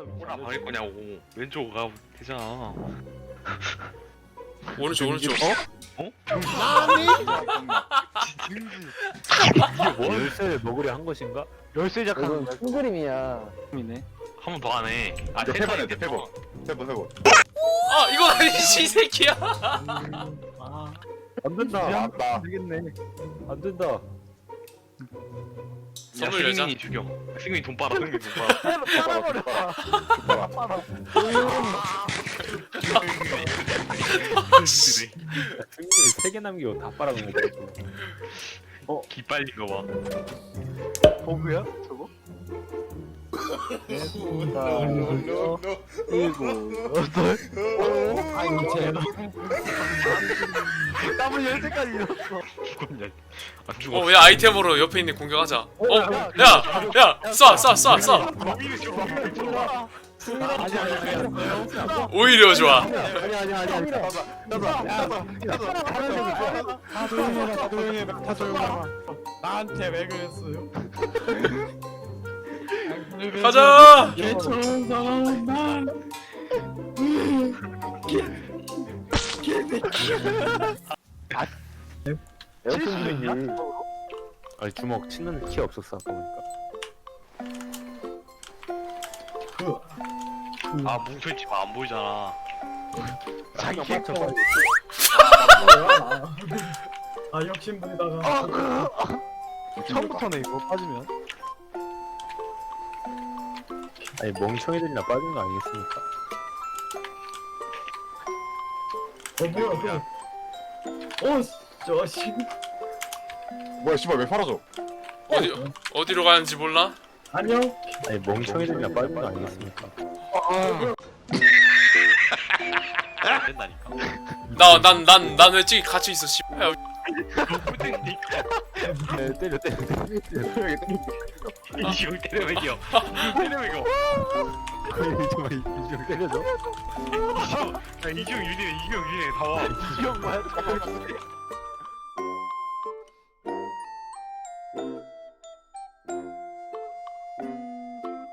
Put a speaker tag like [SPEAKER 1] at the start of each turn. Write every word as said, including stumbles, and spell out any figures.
[SPEAKER 1] 뭐라 방일 거냐고. 왼쪽 가 되잖아.
[SPEAKER 2] 오른쪽 오른쪽.
[SPEAKER 1] 어?
[SPEAKER 3] 나니?
[SPEAKER 4] 이게 뭐? 열쇠를 먹으려 한 것인가?
[SPEAKER 3] 열쇠
[SPEAKER 5] 이건
[SPEAKER 3] 작하는
[SPEAKER 5] 큰 그림이야.
[SPEAKER 3] 이네.
[SPEAKER 1] 한 번 더 하네. 아,
[SPEAKER 6] 세 번 해야 돼,
[SPEAKER 1] 세
[SPEAKER 6] 세 번. 세 번, 세 번.
[SPEAKER 2] 아 이건 아니지 이 새끼야.
[SPEAKER 3] 아,
[SPEAKER 4] 안 된다.
[SPEAKER 6] 맞다.
[SPEAKER 3] 되겠네.
[SPEAKER 4] 안 된다.
[SPEAKER 2] 선물 여자.
[SPEAKER 1] 승민이 죽여. 승민이 돈 빨아. 승민이 돈 빨아.
[SPEAKER 3] 빨아버려. 빨아.
[SPEAKER 4] 승리 세개 남기고 다 빨아먹는 거.
[SPEAKER 1] 기 빨린 거 봐.
[SPEAKER 3] 버그야? 저거?
[SPEAKER 5] 노노노노.
[SPEAKER 3] 일곱, 여덟.
[SPEAKER 5] 아니 제발.
[SPEAKER 3] 땀을 열 때까지 잃었어.
[SPEAKER 1] 죽었냐? 안 죽어.
[SPEAKER 2] 어야 아이템으로 옆에 있는 공격하자. 어야야쏴쏴쏴 쏴.
[SPEAKER 1] 거미를 죽여.
[SPEAKER 3] 아니 아니 아니.
[SPEAKER 2] 오히려 좋아.
[SPEAKER 3] 아니 아니 아니 아니. 봐봐. 봐봐. 봐봐. 다 조용해라. 다 조용해라. 다 조용해라. 나한테 왜 그랬어요?
[SPEAKER 2] 가자.
[SPEAKER 3] 개처럼 사람은 난.
[SPEAKER 5] 에어컨 있지.
[SPEAKER 4] 아니 주먹 치는 키 없었어 아까 보니까.
[SPEAKER 1] 아, 뭉쳐있지 마. 안 보이잖아.
[SPEAKER 3] 자기
[SPEAKER 4] 맞춰,
[SPEAKER 3] 캐릭터.
[SPEAKER 4] 빨리.
[SPEAKER 7] 아 욕심부리다가
[SPEAKER 3] 처음부터네 이거 빠지면.
[SPEAKER 4] 아니 멍청이들이나 빠진 거 아니겠습니까?
[SPEAKER 7] 어 뭐야 어저 씨
[SPEAKER 6] 뭐야, 씨발, 왜 팔아줘?
[SPEAKER 2] 어디 어디로 가는지 몰라?
[SPEAKER 7] 안녕
[SPEAKER 4] 아니 멍청이들이나 빠진 거 아니겠습니까?
[SPEAKER 1] 안 된다니까.
[SPEAKER 2] 나 난 난 난 왜 찌 같이 있어 씨. 야,
[SPEAKER 1] 못되니까.
[SPEAKER 4] 네, 때려 때려 때려 때려.
[SPEAKER 1] 이형 때려 이겨. 때려 이겨.
[SPEAKER 4] 이좀 이좀 때려줘.
[SPEAKER 1] 야, 이형 유리네. 이형 유리네. 다 와.
[SPEAKER 3] 이형 뭐야?